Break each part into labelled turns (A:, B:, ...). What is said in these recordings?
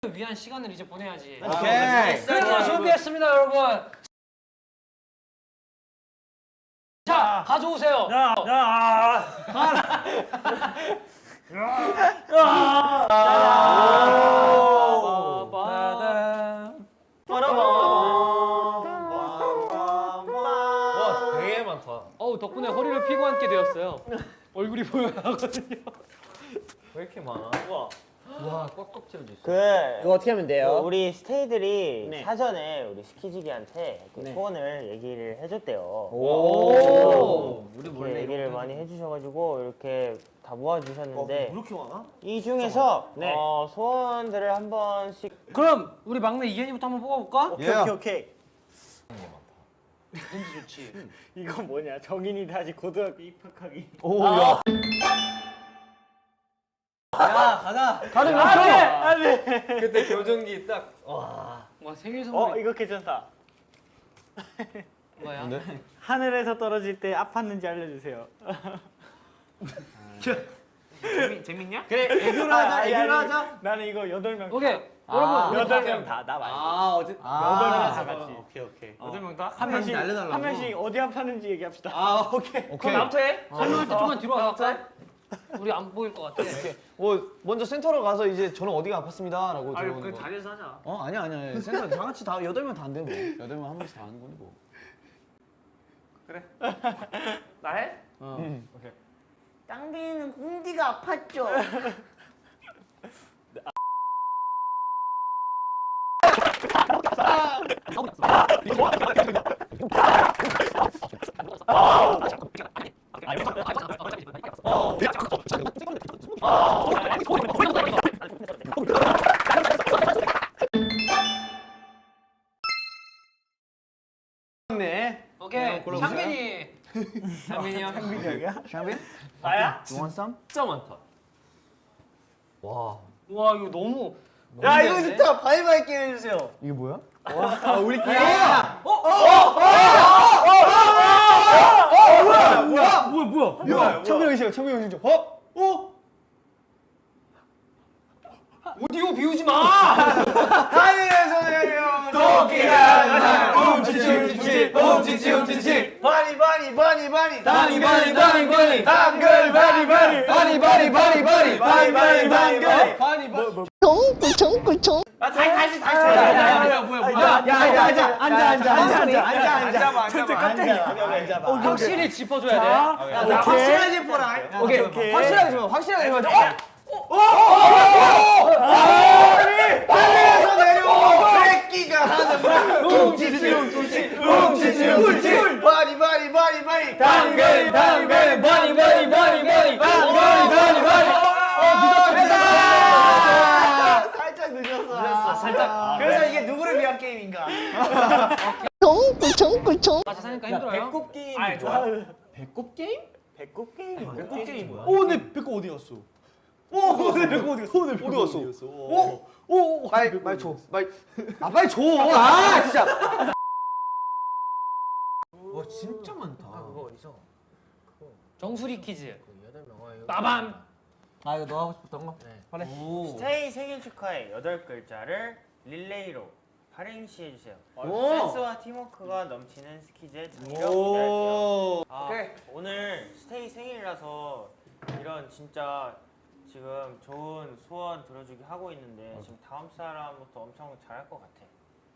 A: 위한 시간을 이제 보내야지.
B: 오케이.
A: 그래서 준비했습니다, 여러분. 자, 가져오세요.
B: 와, 되게 많다.
A: 어우, 덕분에 허리를 피고 앉게 되었어야 얼굴이 보여야 하거든요.
B: 왜 이렇게 많아? 와, 꽉꽉 채워져 있어.
C: 이거 어떻게 하면 돼요?
D: 우리 스테이들이
C: 네.
D: 사전에 우리 스키지기한테 그
C: 네.
D: 소원을 얘기를 해줬대요.
C: 오.
B: 우리
D: 이렇게 얘기를 많이 해주셔가지고 이렇게 다 모아주셨는데
B: 이렇게 많아?
D: 이 중에서
C: 네.
D: 소원들을 한 번씩
A: 그럼 우리 막내 이현이부터 한번 뽑아볼까?
C: 오케이.
A: 왠지 좋지.
C: 이거 뭐냐? 정인이 다시 고등학교 입학하기.
B: 야, 가자.
A: 다들 몇 초?
C: 안돼.
B: 그때 교정기 딱. 와.
A: 와, 생일 선물
C: 이거 괜찮다.
A: 뭐야?
C: 하늘에서 떨어질 때 아팠는지 알려주세요.
B: 재밌냐?
C: 그래, 애교로 하자. 애교로 하자. 나는 이거 8명.
A: 오케이. 여러분,
C: 8명 다. 나 말고.
B: 어제
C: 8명 다 같이.
B: 오케이.
A: 8명 다?
C: 한 명씩
B: 알려달라고.
C: 한 명씩 어디 아팠는지 얘기합시다.
B: 오케이.
A: 그럼 나부터 해? 설명할 때 좀만 뒤로 와볼까? 우리 안 보일 것 같아.
E: 먼저 센터로 가서 이제 저는 어디가 아팠습니다라고 들어오는 거.
A: 자리에서 하자.
E: 아니야. 센터 다 같이 다 8명 다 안 되고 8명 한 명씩 다 하는 거니 뭐.
A: 나 해?
F: 땅빈이는 공디가 아팠죠.
A: 오케이. 창빈이.
B: 장민이 형.
E: 샹빈?
C: 나야?
E: You want some?
B: 진짜 많다. 와.
A: 와, 이거 너무.
C: 야, 이거 진짜 바이바이 게임 해주세요.
E: 이게 뭐야?
C: 우리끼리.
E: 뭐야? 창빈 형이 시작.
A: 오디오 비우지 마!
C: 하늘에서 내려
B: 토끼가 날 움치치
C: 바니
B: 바니 당글
F: 쫑꾸쫑꾸쫑.
C: 다시 앉아.
A: 확실히 짚어줘야 돼.
C: 나 확실하게 보라.
E: 오케이. 확실하게 좀 하자.
C: 하늘에서 내려 새끼가 하는 말
B: 움치치
C: 바니
B: 당글 바니
C: 살짝 늦었어. 살짝. 그래서 이게 누구를 위한 게임인가?
F: 쫑꾸쫑꾸쫑.
A: 같이 사니까 힘들어요?
B: 배꼽 게임.
C: 아니 좋아.
E: 배꼽 게임?
C: 배꼽 게임.
B: 배꼽 게임 뭐야?
E: 내 배꼽 어디 갔어? 내 배꼽 어디 갔어? 빨리 줘. 빨리 줘. 진짜.
B: 와, 진짜 많다.
D: 그거 어디서?
A: 정수리 퀴즈.
D: 8명
A: 빠밤.
E: 이거 너 하고 싶었던 거?
D: 네. 스테이 생일 축하해 8글자를 릴레이로 발행시 해주세요. 센스와 팀워크가 넘치는 스키즈의 장점 기대할게요. 오늘 스테이 생일이라서 이런 진짜 지금 좋은 소원 들어주기 하고 있는데 지금 다음 사람부터 엄청 잘할 것 같아.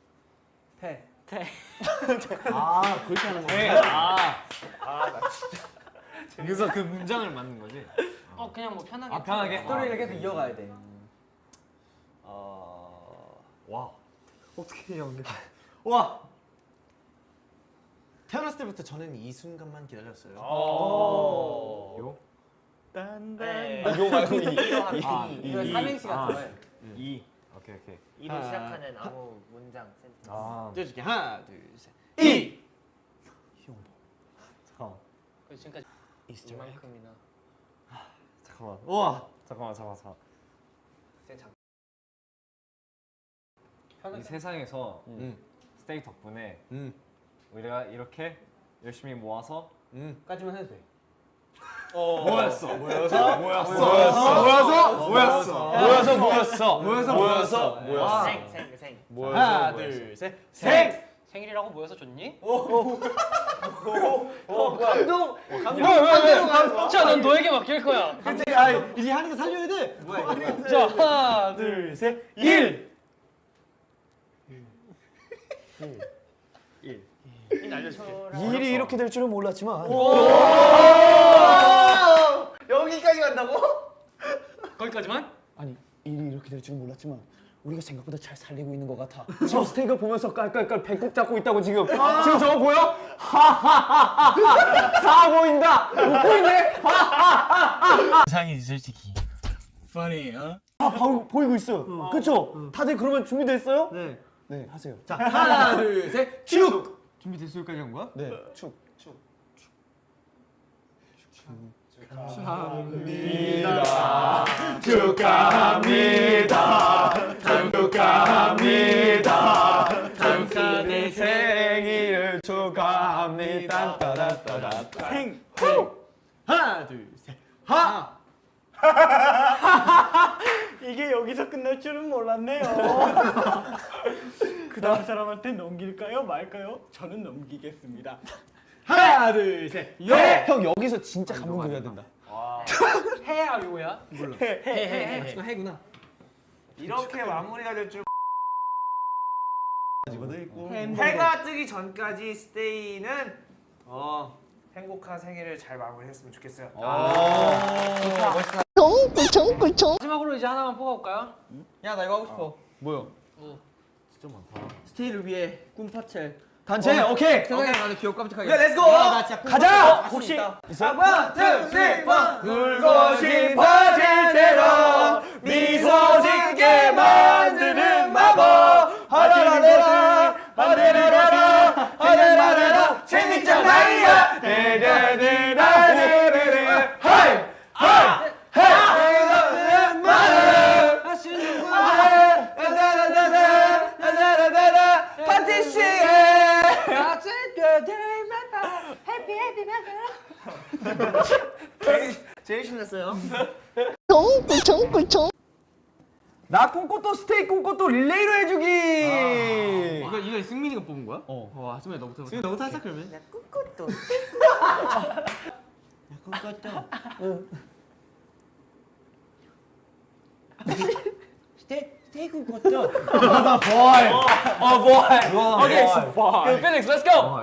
E: 그렇게 하는 거야.
B: 그래서 그 문장을 만든 거지.
A: 그냥 뭐 편하게.
B: 편하게.
E: 스토리를 계속 이어가야 돼.
B: 와. 어떻게 해야 근데?
E: 와. 태어났을 때부터 저는 이 순간만 기다렸어요.
B: 요?
C: 딴딴.
E: 요 말고
A: 이거 삼행시 같은 거예요.
B: 이. 오케이.
D: 이로 시작하는 아무 문장 센텐스.
E: 띄워줄게. 하나, 둘, 셋.
B: 이.
A: 그래서 지금까지 이만큼이나.
B: 잠깐만. 우와. 잠깐만. 이 세상에서 스테이 덕분에 우리가 이렇게 열심히 모아서
E: 까지만 해도 돼.
D: 생.
B: 하나, 둘, 셋. 생.
A: 생일이라고 모여서 좋니?
E: 감동.
A: 자, 넌 너에게 맡길 거야.
C: 근데 아 이제 하는 거 살려야 돼. 뭐야 이거?
A: 자, 하나, 둘, 셋.
B: 1.
E: 일이 이렇게 될 줄은 몰랐지만.
C: 여기까지 간다고?
A: 거기까지만?
E: 아니 일이 이렇게 될 줄은 몰랐지만 우리가 생각보다 잘 살리고 있는 것 같아. 지금 스테이크 보면서 깔깔깔 배꼽 잡고 있다고 지금. 지금 저거 보여? 하하하하. 다 보인다. 웃고 있네.
D: 상이 솔직히. funny,
E: 보이고 있어요. 그렇죠? 다들 그러면 준비됐어요?
C: 네.
E: 네, 하세요.
C: 자 하나 둘 셋. 축. 준비됐을까지 한 거야?
E: 네, 축.
A: 축하내
E: 생일을 축하합니다. 따다따다.
C: 행. 하나 둘 셋. 하.
G: 이게 여기서 끝날 줄은 몰랐네요. 그 다음 사람한테 넘길까요 말까요? 저는 넘기겠습니다.
C: 하나 둘 셋.
E: 네. 형 여기서 진짜 감동 드려야 된다.
A: 해야 요야?
C: 이거 해구나.
D: 이렇게 마무리가 될 줄.
C: 해가 뜨기 전까지 스테이는 행복한 생일을 잘 마무리했으면 좋겠어요.
F: 꿀총꿀총
A: 마지막으로 이제 하나만 뽑아볼까요?
C: 야 나 이거 하고 싶어.
E: 뭐요?
C: 스테이를 위해 꿈파첼.
E: 단체 오케이.
C: 세상에 많은 귀엽고 깜찍하게. 야 렛츠고. 나 진짜
E: 가자!
C: 혹시
E: 원, 투, 쓰리, 원. 울고 싶어질 대로 미소 짓게 만드는 마법. 하라라라 하라라라 하라라라 재밌잖아요. 데데데데데데 하이 하이 하이 마음 하시는 분 다다다다다다다다 파티시에
C: 제일 신났어요.
F: 꿀총꿀총
E: 나 꿈꽃도 스테이크 꿈꽃도 릴레이로 해주기.
C: 이거 승민이가 뽑은 거야? 와 승민이 너부터. 승민 너부터 하자 그러면.
A: 오케이, 필릭스, 렛츠 고!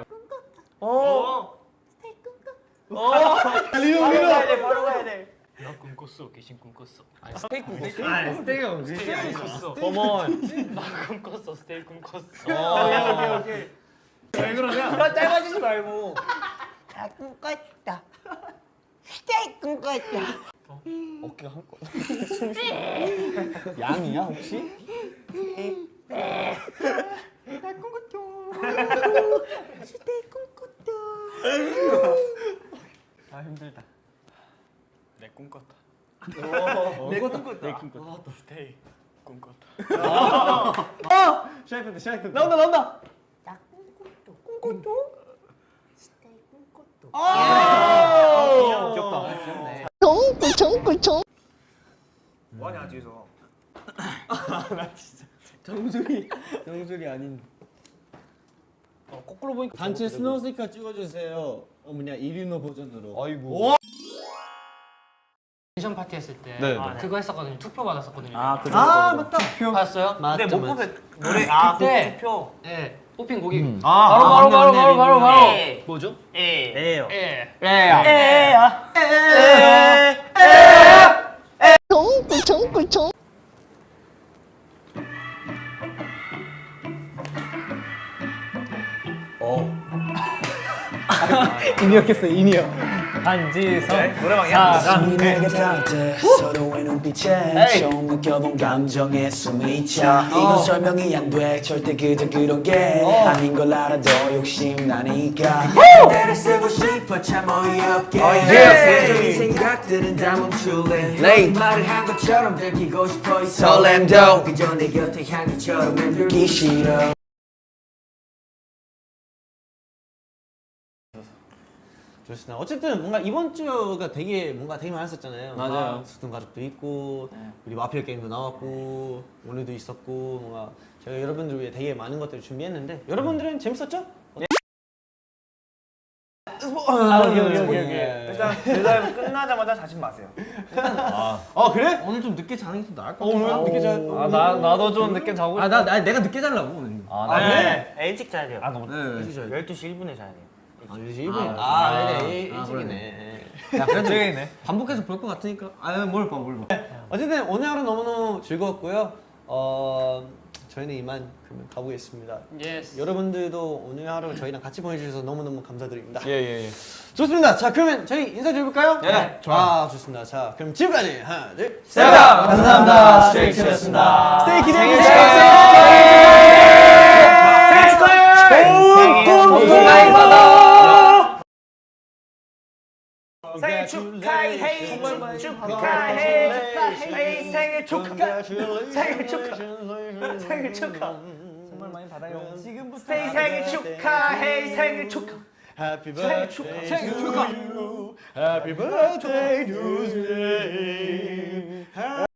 D: 바로 가야 돼.
A: 나 꿈꿨어, 귀신 꿈꿨어.
C: 스테이크가
A: 꿈꿨어.
E: 어먼.
A: 나 꿈꿨어, 스테이크 꿈꿨어.
D: 오케이.
C: 왜 그러냐?
D: 짧아지지 말고.
F: 다 꿈꿨다 스테이크 꿈꿨다
E: 어깨가 한 건. 양이야 혹시?
F: 스테이크 꿈꿨다
E: 아 힘들다.
A: 내 꿈꿨다.
C: 내 꿈꿨다.
A: 스테이 꿈꿨다.
C: 시작했다 시작했다.
E: 나온다.
F: 나 꿈꿨다 스테이크 꿈꿨다
E: 귀엽다.
F: 꿀총꿀총
D: 뭐하냐 뒤에서.
C: 정수리 아닌.
A: 거꾸로 보니까
G: 단체 스노우 스티커 찍어주세요. 뭐냐 이리노 버전으로.
E: 아이고.
A: 미션 파티 했을 때
E: 네.
A: 그거 했었거든요. 투표 받았었거든요.
G: 아
C: 맞다.
A: 받았어요?
D: 근데 못 뽑은 노래
A: 그때
D: 투표.
A: 네, 뽑힌 곡이
C: 바로.
D: 에.
A: 뭐죠?
D: 에요.
A: 예.
F: 꿀총꿀총
E: 인이었겠어 인이요. 한지성.
D: 노래방이야.
H: 숨이 내게 닿을 때 서로의 눈빛에 처음 느껴본 감정에 숨이 차. 이건 설명이 안 돼 절대 그저 그런 게 아닌 걸 알아도 욕심나니까 그대를 쓰고 싶어 참 어이없게 이 생각들은 다 멈출래 말을 한 것처럼 들키고 싶어 이 설렘도 그저 내 곁에 향기처럼 맴돌기 싫어
C: 좋습니다. 어쨌든 뭔가 이번 주가 되게 많았었잖아요.
B: 맞아요.
C: 수든 가족도 있고 우리 마피아 게임도 나왔고 오늘도 있었고 뭔가 저희가 여러분들 위해 되게 많은 것들을 준비했는데 여러분들은 재밌었죠?
D: 여기.
C: 네.
D: 일단 대답 끝나자마자 자신 마세요.
C: 그래?
E: 오늘 좀 늦게 자는 게 좀 나을 것
C: 오늘
E: 같아.
C: 늦게 자.
B: 나도 좀 늦게 자고 싶어.
E: 내가 늦게 자려고 오늘.
D: 네. 일찍 자야 돼요.
B: 너무
C: 일찍 자야 돼.
D: 12시 1분에 자야 돼요.
C: 이제 1분이야. 일찍이네.
E: 야, 그래도
B: 갑자기네.
E: 반복해서 볼 것 같으니까. 뭘 봐.
C: 어쨌든 오늘 하루 너무너무 즐거웠고요. 저희는 이만 그러면 가보겠습니다.
A: 예스.
C: 여러분들도 오늘 하루 저희랑 같이 보내주셔서 너무너무 감사드립니다.
B: 예.
C: 좋습니다. 자, 그러면 저희 인사드려볼까요?
B: 네,
C: 좋아. 좋습니다. 자, 그럼 지금까지 하나, 둘, 셋.
B: 감사합니다. 스테이키였습니다.
C: 스테이 기대해
B: 생일
C: 주세요.
D: 생일 축하해!
C: 좋은 복
B: 많이 받아.
D: 생일 축하해! 축하해! 생일 축하! 생일 축하! 생일 축하!
B: 정말 많이 받아요.
D: 지금부터 생일 축하해! 생일 축하!
C: Happy birthday to you. Happy birthday to you.